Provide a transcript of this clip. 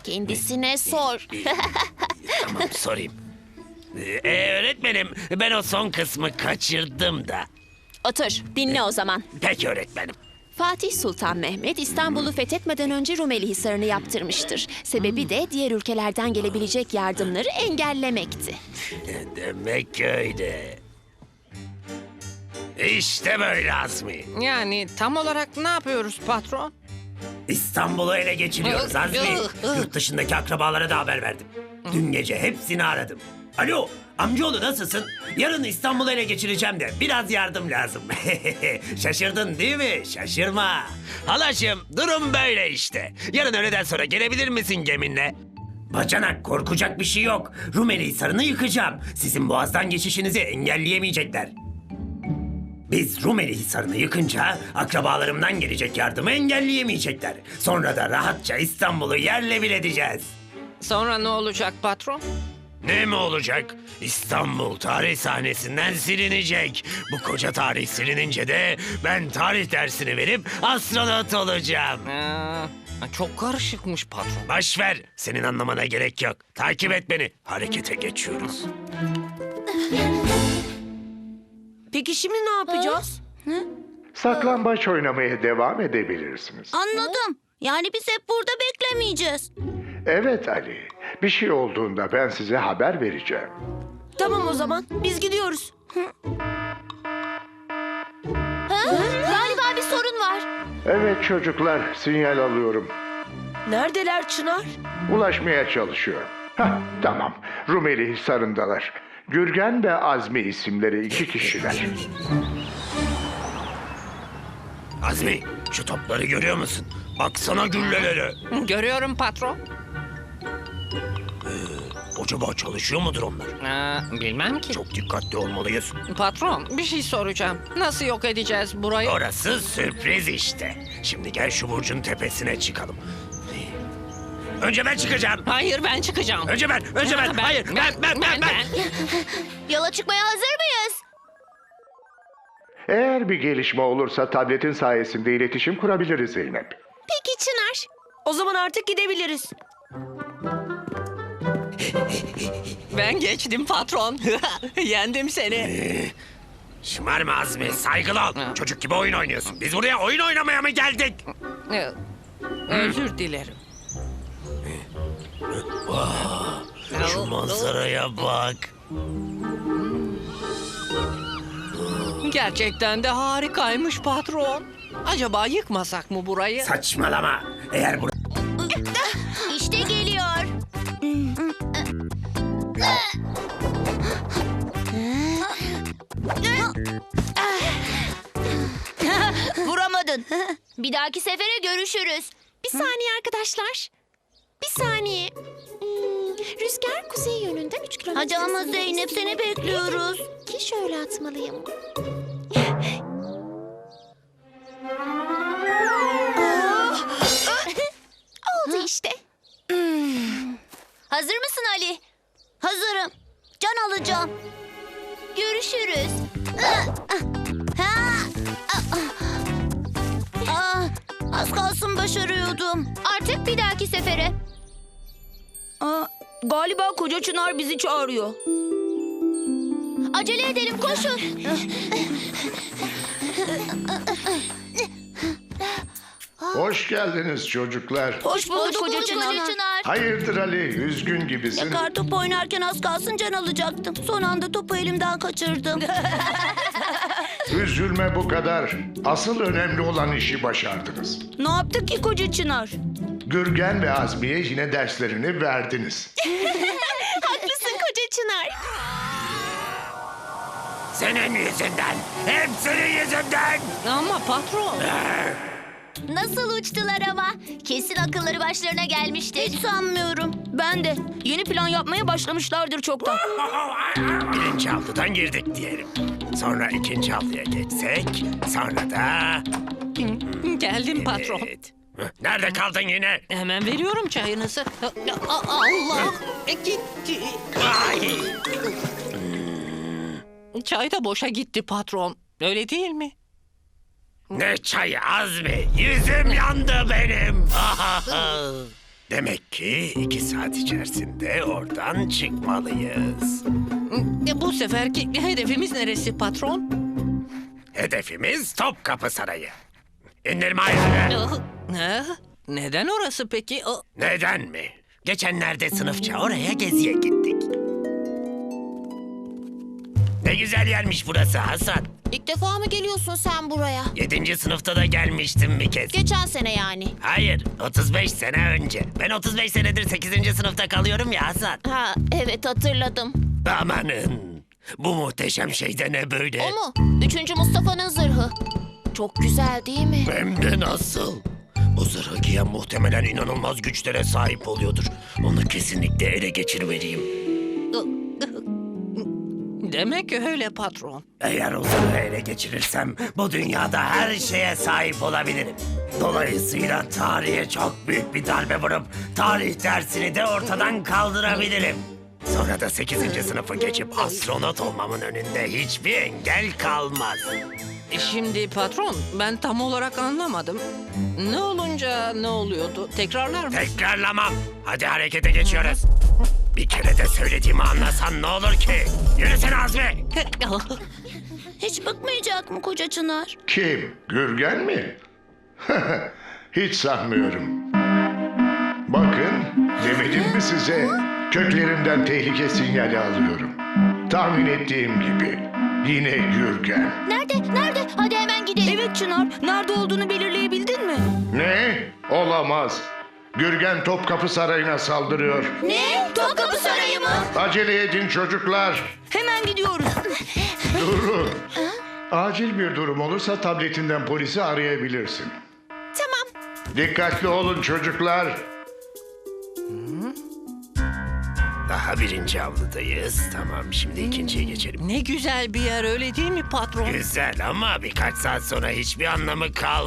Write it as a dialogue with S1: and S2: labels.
S1: Kendisine sor.
S2: Tamam, sorayım. Öğretmenim, ben o son kısmı kaçırdım da.
S1: Otur, dinle o zaman.
S2: Peki öğretmenim.
S1: Fatih Sultan Mehmet İstanbul'u fethetmeden önce Rumeli Hisarı'nı yaptırmıştır. Sebebi de diğer ülkelerden gelebilecek yardımları engellemekti.
S2: Demek öyle. İşte böyle Azmi.
S3: Yani tam olarak ne yapıyoruz patron?
S2: İstanbul'u ele geçiriyoruz Azmi. Yurt dışındaki akrabalara da haber verdim. Dün gece hepsini aradım. Alo, amcaoğlu nasılsın? Yarın İstanbul'u ele geçireceğim de biraz yardım lazım. Şaşırdın değil mi? Şaşırma. Halaşım, durum böyle işte. Yarın öğleden sonra gelebilir misin geminle? Bacanak, korkacak bir şey yok. Rumeli Hisarı'nı yıkacağım. Sizin boğazdan geçişinizi engelleyemeyecekler. Biz Rumeli Hisarı'nı yıkınca akrabalarımdan gelecek yardımı engelleyemeyecekler. Sonra da rahatça İstanbul'u yerle bir edeceğiz.
S3: Sonra ne olacak patron?
S2: Ne mi olacak? İstanbul tarih sahnesinden silinecek. Bu koca tarih silinince de ben tarih dersini verip astronot olacağım.
S3: Çok karışıkmış patron.
S2: Boş ver, senin anlamana gerek yok. Takip et beni, harekete geçiyoruz.
S4: Peki şimdi ne yapacağız?
S5: Saklambaç oynamaya devam edebilirsiniz.
S4: Anladım. Yani biz hep burada beklemeyeceğiz.
S5: Evet Ali, bir şey olduğunda ben size haber vereceğim.
S4: Tamam o zaman. Biz gidiyoruz.
S1: Galiba bir sorun var.
S5: Evet çocuklar, sinyal alıyorum.
S4: Neredeler Çınar?
S5: Ulaşmaya çalışıyorum. Hah, tamam. Rumeli Hisarı'ndalar. Gürgen ve Azmi isimleri 2 kişiler.
S2: Azmi, şu topları görüyor musun? Baksana güllelere.
S3: Görüyorum patron.
S2: Acaba çalışıyor mudur onlar?
S3: Bilmem ki.
S2: Çok dikkatli olmalıyız.
S3: Patron bir şey soracağım. Nasıl yok edeceğiz burayı?
S2: Orası sürpriz işte. Şimdi gel şu burcun tepesine çıkalım. Önce ben çıkacağım.
S3: Hayır ben çıkacağım.
S2: Önce ben. Hayır, ben.
S1: Yola çıkmaya hazır mıyız?
S5: Eğer bir gelişme olursa tabletin sayesinde iletişim kurabiliriz Zeynep.
S1: Peki Çınar.
S4: O zaman artık gidebiliriz.
S3: Ben geçtim patron. Yendim seni.
S2: Şımarma Azmi, saygılı ol. Çocuk gibi oyun oynuyorsun. Biz buraya oyun oynamaya mı geldik?
S3: Özür dilerim.
S2: Şu manzaraya bak.
S3: Gerçekten de harikaymış patron. Acaba yıkmasak mı burayı?
S2: Saçmalama. Eğer bu...
S1: İşte geliyor.
S4: Vuramadın.
S1: Bir dahaki sefere görüşürüz. Bir saniye arkadaşlar. Bir saniye. Rüzgar kuzey yönünden 3 kilometre.
S4: Hadi ama
S1: hızında
S4: Zeynep,
S1: esiyor.
S4: seni bekliyoruz.
S1: Ki şöyle atmalıyım. Oldu işte.
S4: Hazır mısın Ali? Hazırım. Can alacağım.
S1: Görüşürüz.
S4: Az kalsın başarıyordum.
S1: Artık bir dahaki sefere.
S4: Galiba koca Çınar bizi çağırıyor.
S1: Acele edelim, koşun.
S5: Hoş geldiniz çocuklar.
S4: Hoş bulduk koca Çınar.
S5: Hayırdır Ali, üzgün gibisin.
S4: Kartop oynarken az kalsın can alacaktım. Son anda topu elimden kaçırdım.
S5: Üzülme bu kadar. Asıl önemli olan işi başardınız.
S4: Ne yaptık ki koca Çınar?
S5: Gürgen ve Azmi'ye yine derslerini verdiniz.
S1: Haklısın koca Çınar.
S2: Senin yüzünden. Hep senin yüzünden.
S3: Ama patron.
S1: Nasıl uçtular ama? Kesin akılları başlarına gelmiştir.
S4: Hiç sanmıyorum. Ben de. Yeni plan yapmaya başlamışlardır çoktan.
S2: Birinci haftadan girdik diyelim. Sonra ikinci haftaya geçsek. Sonra da...
S3: Geldim patron.
S2: Evet. Nerede kaldın yine?
S3: Hemen veriyorum çayınızı. Allah! Gitti.
S2: Ay!
S3: Çay da boşa gitti patron. Öyle değil mi?
S2: Ne çayı Azmi? Yüzüm yandı benim. Demek ki 2 saat içerisinde oradan çıkmalıyız.
S3: Bu seferki hedefimiz neresi patron?
S2: Hedefimiz Topkapı Sarayı. İndirme ayarı.
S3: Neden orası peki?
S2: Neden mi? Geçenlerde sınıfça oraya geziye gittik. Ne güzel yermiş burası Hasan.
S1: İlk defa mı geliyorsun sen buraya?
S2: 7. sınıfta da gelmiştim bir kez.
S1: Geçen sene yani.
S2: Hayır, 35 sene önce. Ben 35 senedir 8. sınıfta kalıyorum ya Hasan.
S1: Ha, evet hatırladım.
S2: Amanın, bu muhteşem şey de ne böyle?
S1: O mu? 3. Mustafa'nın zırhı. Çok güzel değil mi?
S2: Hem de nasıl? Bu zırhı giyen muhtemelen inanılmaz güçlere sahip oluyordur. Onu kesinlikle ele geçirmeliyim.
S3: Demek öyle patron.
S2: Eğer o zırhı ele geçirirsem bu dünyada her şeye sahip olabilirim. Dolayısıyla tarihe çok büyük bir darbe vurup tarih dersini de ortadan kaldırabilirim. Sonra da 8. sınıfı geçip astronot olmamın önünde hiçbir engel kalmaz.
S3: Şimdi patron, ben tam olarak anlamadım. Ne olunca ne oluyordu? Tekrarlar mı?
S2: Tekrarlamam. Hadi harekete geçiyoruz. Bir kere de söylediğimi anlasan ne olur ki? Yürüsene Azmi.
S4: Hiç bıkmayacak mı koca Çınar?
S5: Kim? Gürgen mi? Hiç sanmıyorum. Bakın, demedim mi size? Köklerimden tehlike sinyali alıyorum. Tahmin ettiğim gibi. Yine Gürgen.
S4: Nerede? Nerede? Hadi hemen gidelim. Evet Çınar. Nerede olduğunu belirleyebildin mi?
S5: Ne? Olamaz. Gürgen Topkapı Sarayı'na saldırıyor.
S4: Ne? Topkapı Sarayı mı?
S5: Acele edin çocuklar.
S4: Hemen gidiyoruz.
S5: Durun. Acil bir durum olursa tabletinden polisi arayabilirsin.
S1: Tamam.
S5: Dikkatli olun çocuklar.
S2: Daha 1. avludayız. Tamam, şimdi 2.'ye geçelim.
S3: Ne güzel bir yer öyle değil mi patron?
S2: Güzel ama birkaç saat sonra hiçbir anlamı kalmaz.